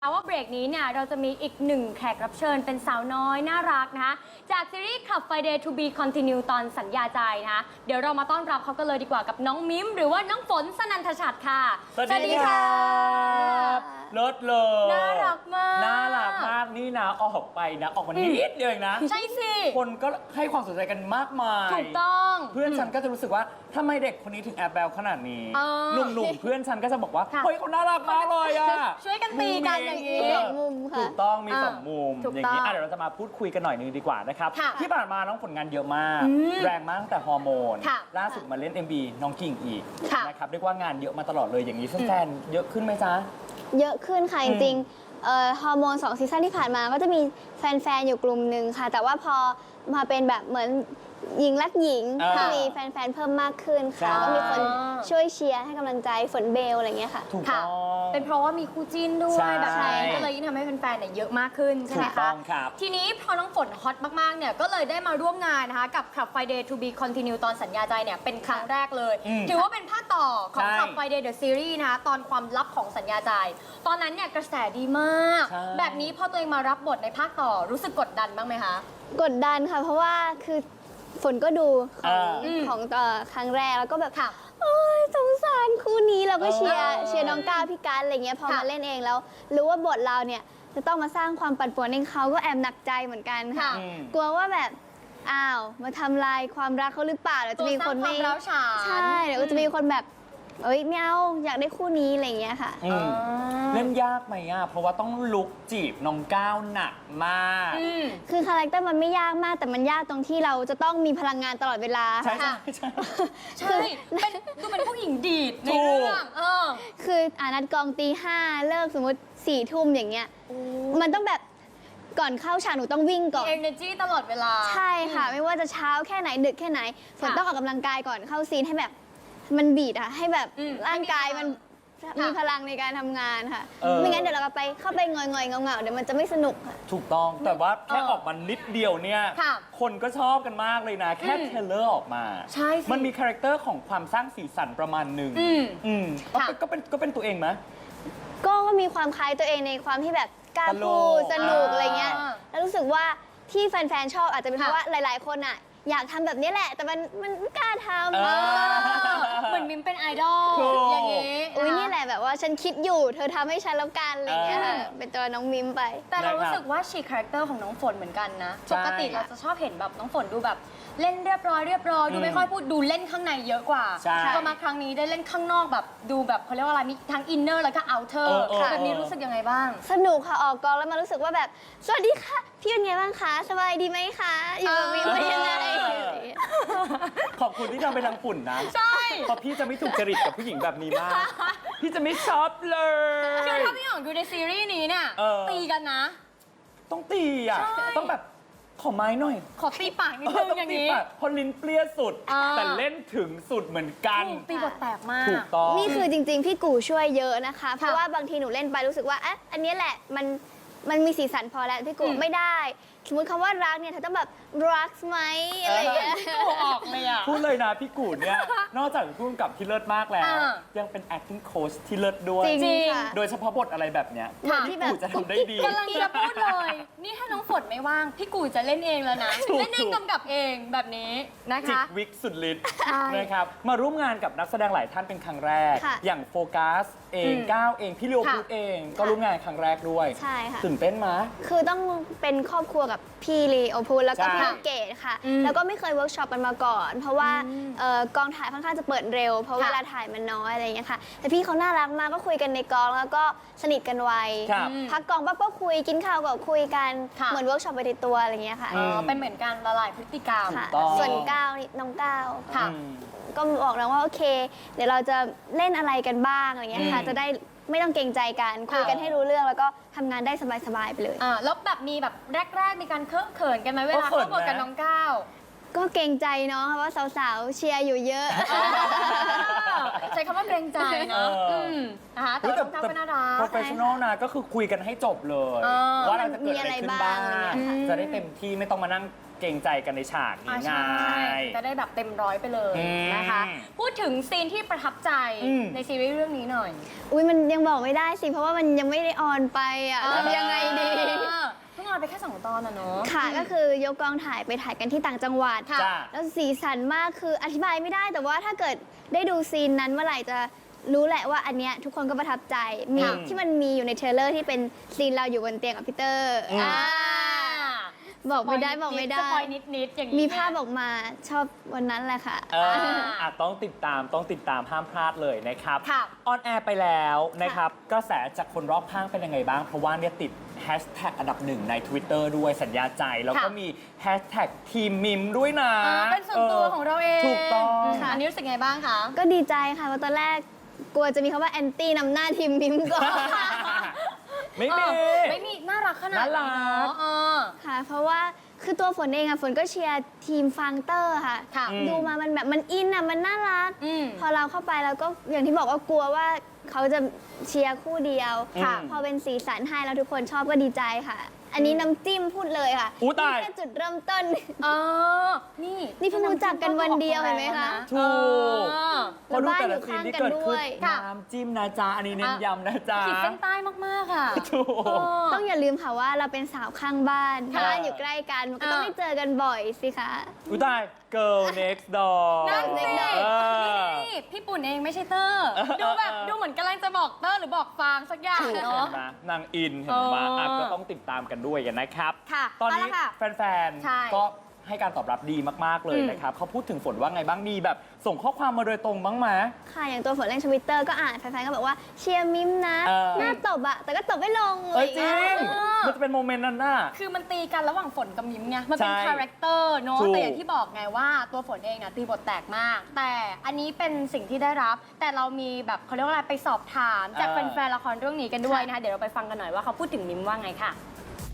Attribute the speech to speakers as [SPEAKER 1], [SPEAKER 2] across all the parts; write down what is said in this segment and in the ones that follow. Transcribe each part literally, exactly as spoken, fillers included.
[SPEAKER 1] ว่าเบรกนี้เนี่ยเราจะมีอีกหนึ่งแขกรับเชิญเป็นสาวน้อยน่ารักนะคะจากซีรีส์ Club Friday to be Continue ตอนสัญญาใจนะคะเดี๋ยวเรามาต้อนรับเขากันเลยดีกว่ากับน้องมิมหรือว่าน้องฝนสนันทชัดค่ะ
[SPEAKER 2] สวัสดีครับเลิศเลย
[SPEAKER 1] น่ารักมาก
[SPEAKER 2] น่ารักมากนี่นะออกไปนะออกมานิดเดียวเองนะ
[SPEAKER 1] ใช่สิ
[SPEAKER 2] คนก็ให้ความสนใจกันมากมาย
[SPEAKER 1] ถูกต้อง
[SPEAKER 2] เพื่อนฉันก็จะรู้สึกว่าทำไมเด็กคนนี้ถึงแอบแบลขนาดนี้หนุ่มๆเพื่อนฉันก็จะบอกว่าเฮ้ยเขาน่ารักมากเลยอ่ะ
[SPEAKER 1] ช่วยกันตีกันอย่างนี้
[SPEAKER 3] มุมค่ะ
[SPEAKER 2] ถูกต้องมีสองมุมอย่างนี้เดี๋ยวเราจะมาพูดคุยกันหน่อยนึงดีกว่านะครับที่ผ่านมาน้องผลงานเยอะมากแรงมากแต่ฮอร์โมนล่าสุดมาเล่น เอ็ม บี น้องกิ่งอีกนะครับเรียกว่างานเยอะมาตลอดเลยอย่างนี้แฟนๆเยอะขึ้นไหมจ๊ะ
[SPEAKER 3] เยอะขึ้นค่ะจริงๆฮอร์โมนสองซีซั่นที่ผ่านมาก็จะมีแฟนๆอยู่กลุ่มหนึ่งค่ะแต่ว่าพอมาเป็นแบบเหมือนหญิงรักหญิงก็มีแฟนๆเพิ่มมากขึ้นค่ะก็มีคนช่วยเชียร์ให้กำลังใจฝนเบลอะไรเงี้ยค่ะ
[SPEAKER 2] ถูกต้อง
[SPEAKER 1] เป็นเพราะว่ามีคู่จิ้นด้วยแบบนี้ก็เลยยิ่งทำให้แฟนๆเนี่ยเยอะมากขึ้นใช่ไหมคะทีนี้พอน้องฝนฮอตมากๆเนี่ยก็เลยได้มาร่วมงานนะคะกับ Club Friday to be Continue ตอนสัญญาใจเนี่ยเป็นครั้งแรกเลยถือว่าเป็นภาคต่อของ Club Friday the Series นะคะตอนความลับของสัญญาใจตอนนั้นเนี่ยกระแสดีมากแบบนี้พอตัวเองมารับบทในภาคต่อรู้สึกกดดันบ้างไหมคะ
[SPEAKER 3] กดดันค่ะเพราะว่าคือฝนก็ดูของของต่อครั้งแรกแล้วก็แบบโอ้ยสงสารคู่นี้เราก็เชียร์เชียร์น้องก้าวพี่การอะไรเงี้ยพอมาเล่นเองแล้วรู้ว่าบทเราเนี่ยจะต้องมาสร้างความปั่นป่วนในเขาก็แอบหนักใจเหมือนกันค่ะกลัวว่าแบบอ้าวมาทำลายความรักเขาหรือเปล่าเดี๋ยวจะมีคนไม่ใช่เดี๋ยวจะมีคนแบบเอ้ยไม่เอาอยากได้คู่นี้อะไรเงี้ยค่ะ
[SPEAKER 2] เล่นยากไหมอ่ะเพราะว่าต้องลุกจีบน้องก้าวหนักมาก
[SPEAKER 3] คือคาแรคเตอร์มันไม่ยากมากแต่มันยากตรงที่เราจะต้องมีพลังงานตลอดเวลา
[SPEAKER 2] ใช่ใช่ใช่
[SPEAKER 1] ใช่เป็นดูเป็นผู้หญิงดีดในเรื่อง
[SPEAKER 3] คืออ่านัดกองตีห้าเลิกสมมติสี่ทุ่มอย่างเงี้ยมันต้องแบบก่อนเข้าฉากหนูต้องวิ่งก่อน
[SPEAKER 1] energy ตลอดเวลา
[SPEAKER 3] ใช่ค่ะไม่ว่าจะเช้าแค่ไหนดึกแค่ไหนฝนต้องออกกำลังกายก่อนเข้าซีนให้แบบมันบีดอะให้แบบร่างกายมันมีพลังในการทำงานค่ะไม่งั้นเดี๋ยวเราไปเข้าไปงอยๆเงาๆเดี๋ยวมันจะไม่สนุกค่ะ
[SPEAKER 2] ถูกต้องแต่ว่าแค่ออกมานิดเดียวเนี่ยคนก็ชอบกันมากเลยนะแค่เทเลอร์ออกมา
[SPEAKER 1] ใช่
[SPEAKER 2] มันมีคาแรคเตอร์ของความสร้างสีสันประมาณหนึ่งอืมก็เป็นก็เป็นตัวเองไหม
[SPEAKER 3] ก็มีความคล้ายตัวเองในความที่แบบกล้าพูดสนุกอะไรเงี้ยแล้วรู้สึกว่าที่แฟนๆชอบอาจจะเป็นเพราะว่าหลายๆคนอะอยากทำแบบนี้แหละแต่มันมันไม่กล้าทำ
[SPEAKER 1] เหมือนมิมเป็นไอดอลอย่างนี้
[SPEAKER 3] อุ้ยนี่แหละแบบว่าฉันคิดอยู่เธอทำให้ฉันแล้วกันอะไรเงี้ยเป็นตัวน้องมิมไป
[SPEAKER 1] แต่เรารู้สึกว่าฉีกคาแรคเตอร์ของน้องฝนเหมือนกันนะปกติเราจะชอบเห็นแบบน้องฝนดูแบบเล่นเรียบร้อยเรียบร้อยดูไม่ค่อยพูดดูเล่นข้างในเยอะกว่าพอมาครั้งนี้ได้เล่นข้างนอกแบบดูแบบเขาเรียกว่าอะไรมีทั้งอินเนอร์แล้วก็เอาเทอร์แบบนี้รู้สึกยังไงบ้าง
[SPEAKER 3] สนุกค่ะออกกองแล้วมารู้สึกว่าแบบสวัสดีค่ะพี่เป็นไงบ้างคะสบายดีไหมคะอยู่กับมิมเป็นยังไง
[SPEAKER 2] ขอบคุณที่ทำไปทางฝุ่นนะ
[SPEAKER 1] ใช่
[SPEAKER 2] เพราะพี่จะไม่ถูกจริตกับผู้หญิงแบบนี้มากพี่จะไม่ชอบเลย
[SPEAKER 1] คือถ้าพี่หยองดูในซีรีส์นี้เนี่ยตีกันนะ
[SPEAKER 2] ต้องตีอ่ะต้องแบบขอไม้หน่อย
[SPEAKER 1] ขอตีปากนิดนึงอย่างนี้
[SPEAKER 2] พอลิ้นเปรี้ยสุดแต่เล่นถึงสุดเหมือนกัน
[SPEAKER 1] ตีบทแตกมาก
[SPEAKER 2] ถูกต้อง
[SPEAKER 3] นี่คือจริงๆพี่กู่ช่วยเยอะนะคะเพราะว่าบางทีหนูเล่นไปรู้สึกว่าอ่ะอันนี้แหละมันมันมีสีสันพอแล้วพี่กู่ไม่ได้สมมติคำว่ารักเนี่ยเธอต้องแบบรักไหมอะไรอย่างเงี้ย
[SPEAKER 1] กูออกเลยอ่ะ
[SPEAKER 2] พูดเลยนะพี่กู่เนี่ยนอกจากพูดกับที่เลิศมากแล้วยังเป็น acting coach ที่เลิศด้วย
[SPEAKER 3] จริง
[SPEAKER 2] โดยเฉพาะบทอะไรแบบเนี้ยพี่กู่จะทำได้ดี
[SPEAKER 1] กำลังจะพูดเลยนี่ถ้าน้องฝนไม่ว่างพี่กู่จะเล่นเองแล้วนะเล่นเองกำกับเองแบบนี้นะคะ
[SPEAKER 2] จิกวิกสุดฤทธิ์นะครับมาร่วมงานกับนักแสดงหลายท่านเป็นครั้งแรกอย่างโฟกัสเองก้าวเองพี่เลียวพูดเองก็ร่วมงานครั้งแรกด้วย
[SPEAKER 3] ใช่ค่ะ
[SPEAKER 2] ตื่นเต้นมั้ย
[SPEAKER 3] คือต้องเป็นครอบครัวกับพี่ลีโอพูแล้วก็พี่เกดค่ะแล้วก็ไม่เคยเวิร์กช็อปกันมาก่อนเพราะว่ากองถ่ายค่อนข้างจะเปิดเร็วเพราะเวลาถ่ายมันน้อยอะไรอย่างเงี้ยค่ะแต่พี่เขาน่ารักมากก็คุยกันในกองแล้วก็สนิทกันไวพักกองปั๊บก็คุยกินข้าวก็คุยกันเหมือนเวิร์กช็อปไปในตัวอะไรอย่างเงี้ยค่ะ
[SPEAKER 1] เป็นเหมือนกันละลายพฤติกรรม
[SPEAKER 3] ส่วนก้าวน้องก้าวก็บอกแล้วว่าโอเคเดี๋ยวเราจะเล่นอะไรกันบ้างอะไรเงี้ยค่ะจะได้ไม่ต้องเกรงใจกันคุยกันให้รู้เรื่องแล้วก็ทำงานได้สบายๆไปเลย
[SPEAKER 1] อ่าแล้วแบบมีแบบแรกๆมีการเคอะเขินกันไหมเวลาเข้าบทกับน้องก้าว
[SPEAKER 3] ก็เกรงใจเนาะว่าสาวๆเชียร์อยู่เยอะ
[SPEAKER 1] ใช้คำว่าเกรงใจเนาะ
[SPEAKER 2] เอออื
[SPEAKER 1] มนะคะแต่ว่าน้องก้าวก็น่ารัก
[SPEAKER 2] โปรเฟชชั่นอลนะก็คือคุยกันให้จบเลย
[SPEAKER 1] เออ
[SPEAKER 2] ว่าเราจะเกิดอะไรขึ้นบ้าง
[SPEAKER 3] มีอะไรบ้างอะไรเงี้ย
[SPEAKER 2] จะได้เต็มที่ไม่ต้องมานั่งเกรงใจกันในฉากนี้
[SPEAKER 1] อ่า
[SPEAKER 2] ไง
[SPEAKER 1] ใช่จะได้แบบเต็มร้อยไปเลย
[SPEAKER 2] อืม
[SPEAKER 1] นะคะ พูดถึงซีนที่ประทับใจ
[SPEAKER 2] อืม
[SPEAKER 1] ในซีรีส์เรื่องนี้หน่อย
[SPEAKER 3] อุ้ยมันยังบอกไม่ได้สิ เพราะว่ามันยังไม่ได้ออนไปอ่ะทำยังไงดี
[SPEAKER 1] เออเพิ่งออนไปแค่สองตอนอะเนาะ
[SPEAKER 3] ค่ะก็คือยกกองถ่ายไปถ่ายกันที่ต่างจังหวัด
[SPEAKER 1] ค่ะ
[SPEAKER 2] จ้า
[SPEAKER 3] แล้วสีสันมากคืออธิบายไม่ได้แต่ว่าถ้าเกิดได้ดูซีนนั้นเมื่อไหร่จะรู้แหละว่าอันเนี้ยทุกคนก็ประทับใจมี
[SPEAKER 2] ค่ะ
[SPEAKER 3] ที่มันมีอยู่ในเทรลเลอร์ที่เป็นซีนเราอยู่บนเตียงกับพีเตอร์
[SPEAKER 2] อืม
[SPEAKER 3] อ่าบอกไม่ได้บอกไม่ได้
[SPEAKER 1] สปอยนิดๆอย่างนี้
[SPEAKER 3] มีภาพออกมาชอบวันนั้นแหละค่ะ
[SPEAKER 2] เอออ่ะต้องติดตามต้องติดตามห้ามพลาดเลยนะครับ
[SPEAKER 1] ค่ะ
[SPEAKER 2] ออนแอร์ไปแล้วนะครับกระแสจากคนรอบข้างเป็นยังไงบ้าง เพราะว่าเนี่ยติดแฮชแท็กอันดับหนึ่งใน Twitter ด้วยสัญญาใจ แล้วก็
[SPEAKER 1] ค่ะ
[SPEAKER 2] มีแฮชแท็กทีมมิมด้วยนะ
[SPEAKER 1] อ่าเป็นส่วนตัวของเราเอง
[SPEAKER 2] ถูกต้อง
[SPEAKER 1] ค่ะอันนี้รู้สึกไงบ้างคะ
[SPEAKER 3] ก็ดีใจค่ะเพราะตอนแรกกลัวจะมีคำว่าแอนตี้นำหน้าทีมมิมก่อน
[SPEAKER 2] ไม่
[SPEAKER 1] เอ
[SPEAKER 2] มี
[SPEAKER 1] อไม่มีน่ารักขนาด
[SPEAKER 2] น่ารัก
[SPEAKER 1] เนาะเออ
[SPEAKER 3] ค่ะ เพราะว่าคือตัวฝนเองอะฝนก็เชียร์ทีมฟังเตอร์ค่ะ
[SPEAKER 1] ค่ะ
[SPEAKER 2] อืม
[SPEAKER 3] ดูมามันแบบมันอินอะมันน่ารัก
[SPEAKER 1] อืม
[SPEAKER 3] พอเราเข้าไปแล้วก็อย่างที่บอกว่ากลัวว่าเขาจะเชียร์คู่เดียว
[SPEAKER 2] ค่ะ
[SPEAKER 3] พอเป็นสีสันให้แล้วทุกคนชอบก็ดีใจค่ะ อันนี้น้ำจิ้มพูดเลยค่ะ
[SPEAKER 2] อู้ตาย
[SPEAKER 3] นี่แค่จุดเริ่มต้น
[SPEAKER 1] เออ นี่
[SPEAKER 3] นี่เพิ่งรู้จักกันวันเดียวเห็นไหมคะ
[SPEAKER 2] ถูก
[SPEAKER 1] เออ
[SPEAKER 2] พอดูแต่ละซีนที่เกิดขึ้น
[SPEAKER 3] แล้วบ้านอยู่ข้างกันด้วย
[SPEAKER 1] ค่ะ
[SPEAKER 2] น้ำจิ้มนะจ๊ะ อันนี้เน้นย้ำนะจ๊ะ
[SPEAKER 1] ขีดเส้นใต้มากๆอ่ะ
[SPEAKER 2] ถูก
[SPEAKER 1] เออ
[SPEAKER 3] ต้องอย่าลืมค่ะว่าเราเป็นสาวข้างบ้าน
[SPEAKER 1] ค่ะ
[SPEAKER 3] บ้านอยู่ใกล้กันมันก็ต้อง
[SPEAKER 1] อ่า
[SPEAKER 3] ได้เจอกันบ่อยสิคะ
[SPEAKER 2] อุ้ยตาย girl next door
[SPEAKER 1] นั่นสิ
[SPEAKER 2] เออ
[SPEAKER 1] นี่พี่ปุ่นเองไม่ใช่เตอร์ ดูแบบดูเหมือนกำลังจะบอกเตอร์หรือบอกฟางสักอย่าง
[SPEAKER 2] ถูก
[SPEAKER 1] เนาะ
[SPEAKER 2] เห็นไหมนางอินเห็นไหม
[SPEAKER 1] เอออ่
[SPEAKER 2] ะก็ต้องติดตามกันด้วยกันนะครับ
[SPEAKER 1] ค่ะ
[SPEAKER 2] ตอนนี้
[SPEAKER 1] เอาละค่ะ
[SPEAKER 2] แฟน
[SPEAKER 1] ใช่
[SPEAKER 2] ๆ ก็ให้การตอบรับดีมาก ๆ เลย
[SPEAKER 1] อืม
[SPEAKER 2] นะครับเขาพูดถึงฝนว่าไงบ้าง มีแบบส่งข้อความมาโดยตรงบ้างไหม
[SPEAKER 3] ค่ะ อย่างตัวฝนเล่นทวิตเตอร์ก็อ่านแฟนๆก็บอกว่าเชียร์มิมนะ
[SPEAKER 2] เออ
[SPEAKER 3] หน้าตบอะแต่ก็ตบไม่ลง
[SPEAKER 2] เอ้ยจริง
[SPEAKER 3] อะไรอย่างเงี้ย
[SPEAKER 2] มันจะเป็นโมเมนต์นั้นน่ะ
[SPEAKER 1] คือมันตีกันระหว่างฝนกับมิมไง มันเป็น
[SPEAKER 2] ใช่
[SPEAKER 1] คาแรคเตอร์เนาะ
[SPEAKER 2] ถูก
[SPEAKER 1] แต่อย่างที่บอกไงว่าตัวฝนเองนะตีบทแตกมาก แต่อันนี้เป็นสิ่งที่ได้รับ แต่เรามีแบบเขาเรียกว่าอะไรไปสอบถามจากแฟนๆละครเรื่องนี้กันด้วยนะคะ เดี๋ยวเราไปฟังกันหน่อยว่าเขาพูดถึงมิมว่าไงค่ะ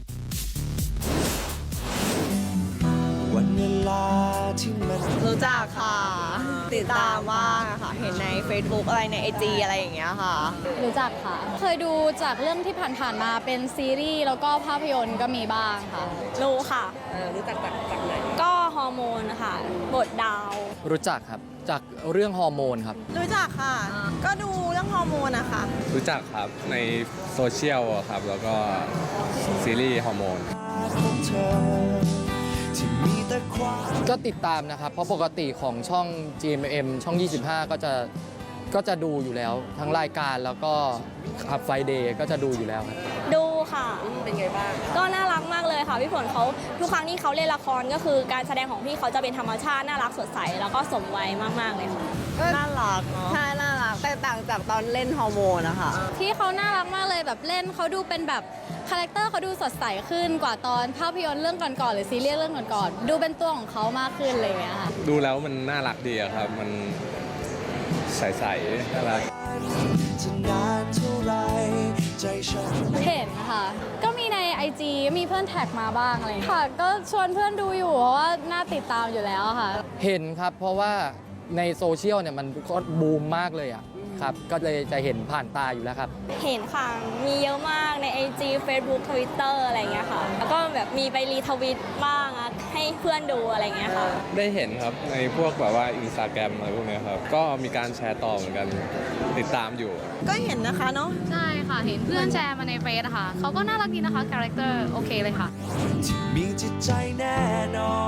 [SPEAKER 4] วันเวลาที่มัน
[SPEAKER 5] รู้จักค่ะ ติดตามมากอะค่ะ เห็นใน Facebook อะไรใน ไอ จี อะไรอย่างเงี้ยค่ะ
[SPEAKER 6] รู้จักค่ะ เคยดูจากเรื่องที่ผ่านๆมาเป็นซีรีส์แล้วก็ภาพยนตร์ก็มีบ้างค่ะ
[SPEAKER 5] รู้ค่ะ
[SPEAKER 4] รู้จักจากจากไหน
[SPEAKER 5] ก็ฮอร์โมนค่ะ บทดาว
[SPEAKER 7] รู้จักครับ จากเรื่องฮอร์โมนครับ
[SPEAKER 5] รู้จักค่ะ ก็ดูเรื่องฮอร์โมนนะคะ
[SPEAKER 8] รู้จักครับในโซเชียลอะครับ แล้วก็ซีรีส์ฮอร์โมน
[SPEAKER 4] ของเธอที่มีแต่ความ
[SPEAKER 7] ก็ติดตามนะครับ เพราะปกติของช่อง จี เอ็ม เอ็ม ช่อง ยี่สิบห้า ก็จะก็จะดูอยู่แล้ว ทั้งรายการแล้วก็ขับไฟเดย์ก็จะดูอยู่แล้วครับ
[SPEAKER 5] ดูค่ะ เป็นไงบ้าง ก็น่ารักมากเลยค่ะ พี่ฝนเขาทุกครั้งที่เขาเล่นละครก็คือการแสดงของพี่เขาจะเป็นธรรมชาติ น่ารักสดใส แล้วก็สมวัยมาก ๆ เลยค่ะ
[SPEAKER 9] น่ารักใช่น่ารักแต่ต่างจากตอนเล่นฮอร์โมนนะคะ
[SPEAKER 6] ที่เขาน่ารักมากเลยแบบเล่นเขาดูเป็นแบบคาแรคเตอร์เขาดูสดใสขึ้นกว่าตอนภาพยนตร์เรื่องก่อนๆหรือซีรีส์เรื่องก่อนๆดูเป็นตัวของเขามากขึ้นอะไรอย่างเงี้ยค่ะ
[SPEAKER 8] ดูแล้วมันน่ารักดีอะครับ มันใสๆน่ารัก
[SPEAKER 4] จะนานเท่าไรใจฉัน
[SPEAKER 6] เห็นค่ะ ก็มีใน ไอ จี มีเพื่อนแท็กมาบ้างอะไรอย่างเงี้ยค่ะ ก็ชวนเพื่อนดูอยู่เพราะว่าน่าติดตามอยู่แล้วค่ะ
[SPEAKER 7] เห็นครับ เพราะว่าในโซเชียลเนี่ยมันก็บูมมากเลยอ่ะครับ ก็เลยจะเห็นผ่านตาอยู่แล้วครับ
[SPEAKER 5] เห็นค่ะ มีเยอะมากใน ไอ จี Facebook Twitter อะไรอย่างเงี้ยค่ะ แล้วก็แบบมีไปรีทวิตบ้างอะให้เพื่อนดูอะไรอย่างเงี้ยค่ะ
[SPEAKER 8] ได้เห็นครับในพวกแบบว่าอินสตาแกรมอะไรพวกเนี้ยครับ ก็มีการแชร์ต่อเหมือนกันติดตามอยู่
[SPEAKER 5] ก็เห็นนะคะเนาะ
[SPEAKER 6] ใช่ค่ะ เห็นเพื่อนแชร์มาในเฟซอะค่ะเขาก็น่ารักดีนะคะคาแรคเตอร์โอเคเลยค่ะ
[SPEAKER 4] ที่มีจิตใจแน่นอน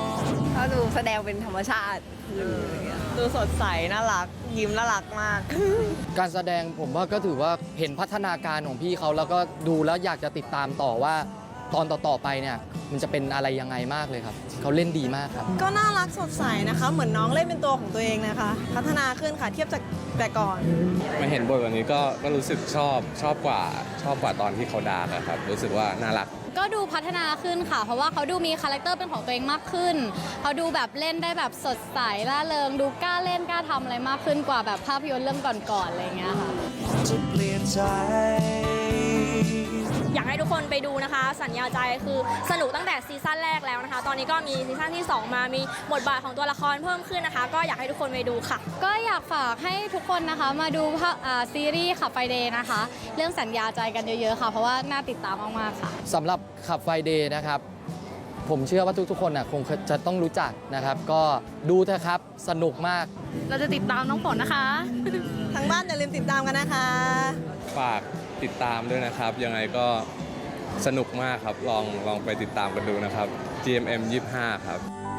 [SPEAKER 9] เขาดูแสดงเป็นธรรมชาติดูสดใส น่ารัก ยิ้มน่ารักมาก
[SPEAKER 7] การแสดงผมว่าก็ถือว่าเห็นพัฒนาการของพี่เขาแล้วก็ดูแล้วอยากจะติดตามต่อว่าตอนต่อๆไปเนี่ยมันจะเป็นอะไรยังไงมากเลยครับเขาเล่นดีมากครับ
[SPEAKER 5] ก็น่ารักสดใสนะคะ เหมือนน้องเล่นเป็นตัวของตัวเองนะคะ พัฒนาขึ้นค่ะเทียบจากแต่ก่อน
[SPEAKER 8] มาเห็นบทแบบนี้ก็ก็รู้สึกชอบชอบกว่าชอบกว่าตอนที่เขาดาร์กอะครับ รู้สึกว่าน่ารัก
[SPEAKER 6] ก็ดูพัฒนาขึ้นค่ะ เพราะว่าเขาดูมีคาแรคเตอร์เป็นของตัวเองมากขึ้น เขาดูแบบเล่นได้แบบสดใสร่าเริง ดูกล้าเล่นกล้าทำอะไรมากขึ้นกว่าแบบภาพยนตร์เรื่องก่อนๆอะไรอย่างเงี้ยค่ะ
[SPEAKER 4] จะเปลี่ยนใจ
[SPEAKER 5] อยากให้ทุกคนไปดูนะคะ สัญญาใจคือสนุกตั้งแต่ซีซั่นแรกแล้วนะคะ ตอนนี้ก็มีซีซั่นที่สองมามีบทบาทของตัวละครเพิ่มขึ้นนะคะ ก็อยากให้ทุกคนไปดูค่ะ
[SPEAKER 6] ก็อยากฝากให้ทุกคนนะคะมาดูภาพอ่าซีรีส์ขับไฟเดย์นะคะ เรื่องสัญญาใจกันเยอะๆค่ะ เพราะว่าน่าติดตามมากๆค่ะ
[SPEAKER 7] สำหรับขับไฟเดย์นะครับ ผมเชื่อว่าทุกๆคนน่ะคงจะต้องรู้จักนะครับ ก็ดูเถอะครับสนุกมาก
[SPEAKER 6] เราจะติดตามน้องฝนนะคะ
[SPEAKER 9] ทางบ้านอย่าลืมติดตามกันนะคะ
[SPEAKER 8] ฝากติดตามด้วยนะครับ ยังไงก็สนุกมากครับ ลองลองไปติดตามกันดูนะครับ จี เอ็ม เอ็ม ยี่สิบห้า ครับ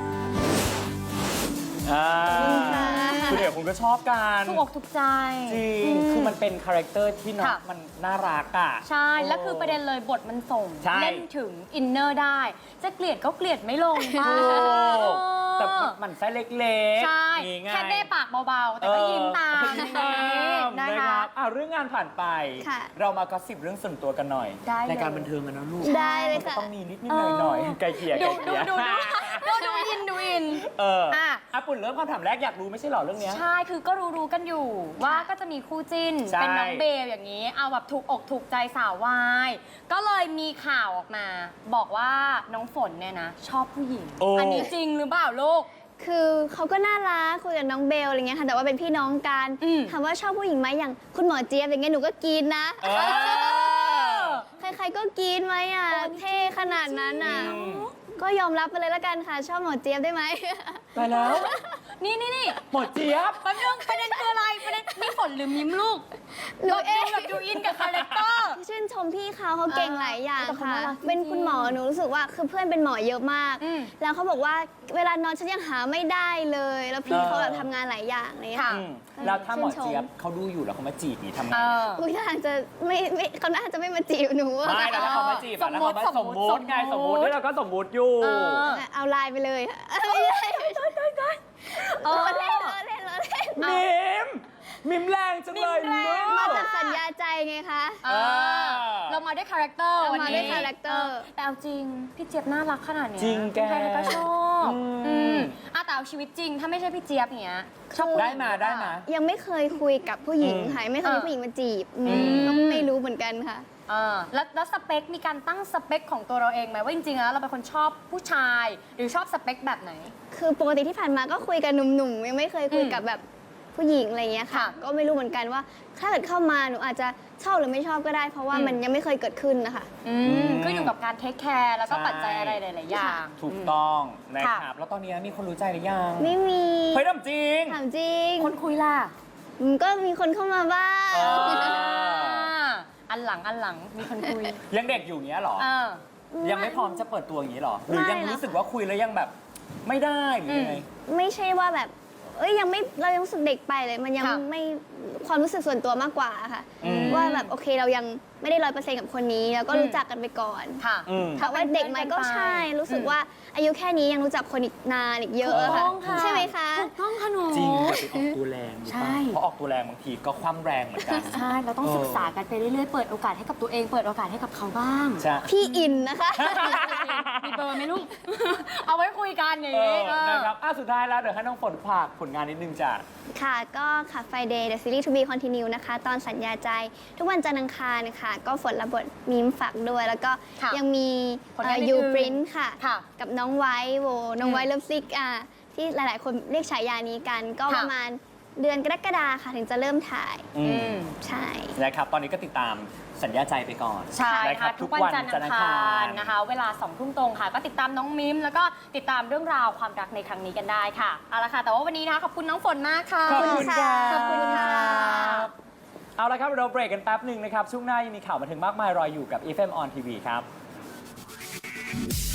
[SPEAKER 2] อ่าคุณเอ๋คุณก็ชอบกัน
[SPEAKER 1] ถูกอกถูกใจ
[SPEAKER 2] จริง คือมันเป็นคาแรคเตอร์ที่น้อง
[SPEAKER 1] ค่ะ
[SPEAKER 2] มันน่ารักอ่ะ
[SPEAKER 1] ใช่ แล้วคือประเด็นเลยบทมันส่ง
[SPEAKER 2] ใช่
[SPEAKER 1] เล่นถึงอินเนอร์ได้ จะเกลียดก็เกลียดไม่ลงป้า
[SPEAKER 2] ถูกแต่มันไส้เล็กๆ
[SPEAKER 1] ใช่
[SPEAKER 2] นี่ไง
[SPEAKER 1] แค่ได้ปากเบาๆ แต่ก็ยิ้มตาม
[SPEAKER 2] เออ
[SPEAKER 1] นะ
[SPEAKER 2] นะค
[SPEAKER 1] คะ
[SPEAKER 2] รับอ่ะเรื่องงานผ่านไป
[SPEAKER 3] ค่ะ
[SPEAKER 2] เรามากระสิบเรื่องส่วนตัวกันหน่อย
[SPEAKER 1] ได้เลย
[SPEAKER 2] รายการบันเทิงกันนะลูก
[SPEAKER 3] ได้เลย
[SPEAKER 2] ก็
[SPEAKER 3] ค่ะ
[SPEAKER 2] ต้องมีนิดนิดหน่อยหน่อยๆไกลเกลี่ยไก
[SPEAKER 1] ดู
[SPEAKER 2] ลเก
[SPEAKER 1] ดู
[SPEAKER 2] ลี่ย
[SPEAKER 1] ดูดูดูดูอินดูอิน
[SPEAKER 2] เออ
[SPEAKER 1] อ่ะ
[SPEAKER 2] อ่ะปุ่นเริ่มคำถามแรกอยากรู้ไม่ใช่เหรอเรื่องเนี้ย
[SPEAKER 1] ใช่ คือก็รู้ๆกันอยู่ ว่าก็จะมีคู่จิ้น
[SPEAKER 2] ใช่
[SPEAKER 1] เป็นน้องเบลอย่างนี้ เอาแบบถูกอกถูกใจสาววาย ก็เลยมีข่าวออกมา บอกว่าน้องฝนเนี่ยนะ ชอบผู้หญิง
[SPEAKER 2] โอ้
[SPEAKER 1] อันนี้จริงหรือเปล่าลูก
[SPEAKER 3] คือเขาก็น่ารักคุยกับน้องเบลอะไรเงี้ยค่ะแต่ว่าเป็นพี่น้องกัน
[SPEAKER 1] อืม
[SPEAKER 3] ถามว่าชอบผู้หญิงไหมอย่างคุณหมอเจี๊ยบอย่างเงี้ยหนูก็กินนะ
[SPEAKER 2] เออ
[SPEAKER 3] ใครๆก็กินไหมอ่ะเท่ขนาดนั้นอ่ะ
[SPEAKER 2] อืม
[SPEAKER 3] ก็ยอมรับไปเลยละกันค่ะ ชอบหมอเจี๊ยบได้ไหม
[SPEAKER 2] ไปแล้ว
[SPEAKER 1] นี่นี่นี่
[SPEAKER 2] หมดเจี๊ยบ
[SPEAKER 1] แป๊บนึงประเด็นคืออะไรประเด็นนี่ฝนหรือมิมลูก
[SPEAKER 3] หนูเอง
[SPEAKER 1] แบบดูอินกับคาแรคเตอร์
[SPEAKER 3] ชื่นชมพี่เขาเขาเก่งหลายอย่าง
[SPEAKER 1] แต่เขา
[SPEAKER 3] ค่ะ
[SPEAKER 1] น่ารักจริงๆ
[SPEAKER 3] เป็นคุณหมอหนูรู้สึกว่าคือเพื่อนเป็นหมอเยอะมาก
[SPEAKER 1] อืม
[SPEAKER 3] แล้วเขาบอกว่าเวลานอนฉันยังหาไม่ได้เลย แล้วพี่
[SPEAKER 2] เออ
[SPEAKER 3] เขาแบบทำงานหลายอย่างอะไรเลยค่ะ
[SPEAKER 2] อืมแล้วถ้าหมอเจี๊ยบเขาดูอยู่แล้วเขามาจีบนี่ทำไง
[SPEAKER 1] เออ
[SPEAKER 3] อุ้ยท่าทางจะไม่ไม่เขาน่าจะไม่มาจีบหนูอะ
[SPEAKER 2] ไม่แล้วถ้าเขามาจีบอะแล้วเขามา
[SPEAKER 1] ส
[SPEAKER 2] ส
[SPEAKER 1] ม
[SPEAKER 2] ม
[SPEAKER 1] มุ
[SPEAKER 2] มุ
[SPEAKER 1] ติ
[SPEAKER 2] ติไง
[SPEAKER 1] ส
[SPEAKER 2] ส
[SPEAKER 1] ม
[SPEAKER 2] ม
[SPEAKER 1] มุ
[SPEAKER 2] มุ
[SPEAKER 1] ติ
[SPEAKER 2] ตินี่เราก็สมมุติอยู่
[SPEAKER 1] เออ
[SPEAKER 3] เอาไลน์ไปเลยไม่ใช่ล้อเล่นล้อเล่นล้อเล่น
[SPEAKER 2] มิม มิมแรงจังเลย
[SPEAKER 1] มิมแรง
[SPEAKER 2] ลู
[SPEAKER 3] มาก จากสัญญาใจไงคะ
[SPEAKER 1] เออเรามาด้วยคาแรคเตอร์
[SPEAKER 3] เรา
[SPEAKER 1] วัน
[SPEAKER 3] มา
[SPEAKER 1] นี้
[SPEAKER 3] ด้วยคาแรคเตอร์
[SPEAKER 1] แต่เอาจริง พี่เจี๊ยบน่ารักขนาดเนี้ย
[SPEAKER 2] จริงแก
[SPEAKER 1] ใครๆก็ชอบ
[SPEAKER 2] อืม
[SPEAKER 1] อืมอ่ะแต่เอาชีวิตจริง ถ้าไม่ใช่พี่เจี๊ยบอย่างเงี้ยชอบผู้ห
[SPEAKER 2] ได้
[SPEAKER 1] ญิง
[SPEAKER 2] มา
[SPEAKER 1] หรือเป
[SPEAKER 2] ได้
[SPEAKER 1] ล่
[SPEAKER 2] มา
[SPEAKER 3] ยังไม่เคยคุยกับผู้หญิง
[SPEAKER 2] อืม
[SPEAKER 3] ค่ะไม่เคยมี
[SPEAKER 1] เออ
[SPEAKER 3] ผู้หญิงมาจีบอืม
[SPEAKER 2] อืม
[SPEAKER 3] ก็ไม่รู้เหมือนกันค่ะ
[SPEAKER 1] เออแล้วแล้วสเปค มีการตั้งสเปคของตัวเราเองไหมว่าจริงๆแล้วเราเป็นคนชอบผู้ชาย หรือชอบสเปคแบบไหน
[SPEAKER 3] คือปกติที่ผ่านมาก็คุยกับหนุ่มๆยังไม่เคยคุยกับแบบผู้หญิงอะไรเงี้ยค่ะ
[SPEAKER 1] ค่ะ
[SPEAKER 3] ก็ไม่รู้เหมือนกันว่าถ้าเกิดเข้ามาหนูอาจจะชอบหรือไม่ชอบก็ได้ เพราะว่า
[SPEAKER 1] อืม
[SPEAKER 3] มันยังไม่เคยเกิดขึ้นนะคะ
[SPEAKER 1] อืมขึ้นอยู่กับการเทคแคร์แล้วก็
[SPEAKER 2] ใช่
[SPEAKER 1] ปัจจัยอะไรหลายๆอย่าง
[SPEAKER 2] ถูกต้องนะ
[SPEAKER 1] ค่ะ
[SPEAKER 2] ครับ แล้วตอนนี้มีคนรู้ใจหรือยัง
[SPEAKER 3] ไม่มี
[SPEAKER 2] เฮ้ยทำจริง
[SPEAKER 3] ถามจริง
[SPEAKER 1] คนคุยล่ะ
[SPEAKER 3] อืมก็มีคนเข้ามาบ้าง
[SPEAKER 2] เออ
[SPEAKER 1] อันหลังอันหลังมีคนคุย
[SPEAKER 2] ยังเด็กอยู่เงี้ยเหรอ
[SPEAKER 1] เออ
[SPEAKER 2] ยังไม่พร้อมจะเปิดตัวอย่างนี้เหรอ หรือยัง
[SPEAKER 3] ไม่นะ
[SPEAKER 2] รู้สึกว่าคุยแล้วยังแบบไม่ได้หรือยังไง
[SPEAKER 3] ไม่ใช่ว่าแบบ เอ้ยยังไม่เรายังรู้สึกเด็กไปเลย มันยัง
[SPEAKER 1] ค่ะ
[SPEAKER 3] ไม่ความรู้สึกส่วนตัวมากกว่าค่ะ
[SPEAKER 2] อืม
[SPEAKER 3] ว่าแบบโอเคเรายังไม่ได้ร้อยเปอร์เซ็นต์กับคนนี้ แล้วก็
[SPEAKER 1] อืม
[SPEAKER 3] รู้จักกันไปก่อน
[SPEAKER 1] ค่ะ
[SPEAKER 2] อืม
[SPEAKER 3] ถามว่าเด็กไหมก็ใช่ รู้สึก
[SPEAKER 1] อืม
[SPEAKER 3] ว่าอายุแค่นี้ยังรู้จักคนอีกนานอีกเยอะอะค่ะ
[SPEAKER 1] ถูกต้องค่ะ
[SPEAKER 3] ใช่ไหมคะ
[SPEAKER 1] ถูกต้องค่ะหนู
[SPEAKER 2] จริงอย่าไปออกตัวแรงรู้
[SPEAKER 1] ใช่
[SPEAKER 2] ป่ะเพราะออกตัวแรงบางทีก็คว่ำแรงเหมือนกัน
[SPEAKER 1] ใช่ เราต้อง
[SPEAKER 2] เออ
[SPEAKER 1] ศึกษากันไปเรื่อยๆ เปิดโอกาสให้กับตัวเอง เปิดโอกาสให้กับเขาบ้าง
[SPEAKER 2] ใช่
[SPEAKER 3] พี่อินนะคะ
[SPEAKER 1] มีเบอร์ไหมลูก เอาไว้คุยกันอย่าง
[SPEAKER 2] เอ
[SPEAKER 1] นี้
[SPEAKER 2] อ
[SPEAKER 1] เออ
[SPEAKER 2] นะครับอ่ะสุดท้ายแล้วเดี๋ยวให้น้องฝนฝากผลงานนิดนึงจ้ะ
[SPEAKER 3] ค่ะ ก็ค่ะ Friday The Series to be Continue นะคะ ตอนสัญญาใจ ทุกวันจันทร์อังคารนะคะก็ฝนรับบทมีมฝากด้วย แล้วก็
[SPEAKER 1] ค่ะ
[SPEAKER 3] ยังมี
[SPEAKER 1] ผลงาน
[SPEAKER 3] ยู
[SPEAKER 1] อื่นๆ
[SPEAKER 3] ปรินท์ค่ะ
[SPEAKER 1] ค่ะ
[SPEAKER 3] กับน้องไวท์โว น้อง
[SPEAKER 1] อืม
[SPEAKER 3] ไวท์เลิฟซิกอ่ะที่หลาย ๆ คนเรียกฉายานี้กัน ก็
[SPEAKER 1] ค่ะ
[SPEAKER 3] ประมาณเดือนกรกฎาค่ะ ถึงจะเริ่มถ่าย
[SPEAKER 2] อื
[SPEAKER 1] อื
[SPEAKER 2] ม
[SPEAKER 1] ม
[SPEAKER 3] ใช่
[SPEAKER 2] นะครับ ตอนนี้ก็ติดตามสัญญาใจไปก่อน
[SPEAKER 1] ใช่
[SPEAKER 2] นะครั
[SPEAKER 1] ค่ะ
[SPEAKER 2] บ
[SPEAKER 1] ทุกวันจันทร์อังคารนะคะ เวลาสองทุ่มตรงค่ะ ก็ติดตามน้องมิม แล้วก็ติดตามเรื่องราวความรักในครั้งนี้กันได้ค่ะ เอาละค่ะ แต่ว่าวันนี้นะคะขอบคุณน้องฝนมากค่ะ
[SPEAKER 2] ขอบคุณค่ะ
[SPEAKER 3] ขอบคุณค่ะ
[SPEAKER 2] เอาละครับเราเบรกกันแป๊บหนึ่งนะครับ ช่วงหน้ายังมีข่าวบันเทิงมากมายรออยู่กับ เอฟ เอ็ม On ที วี ครับ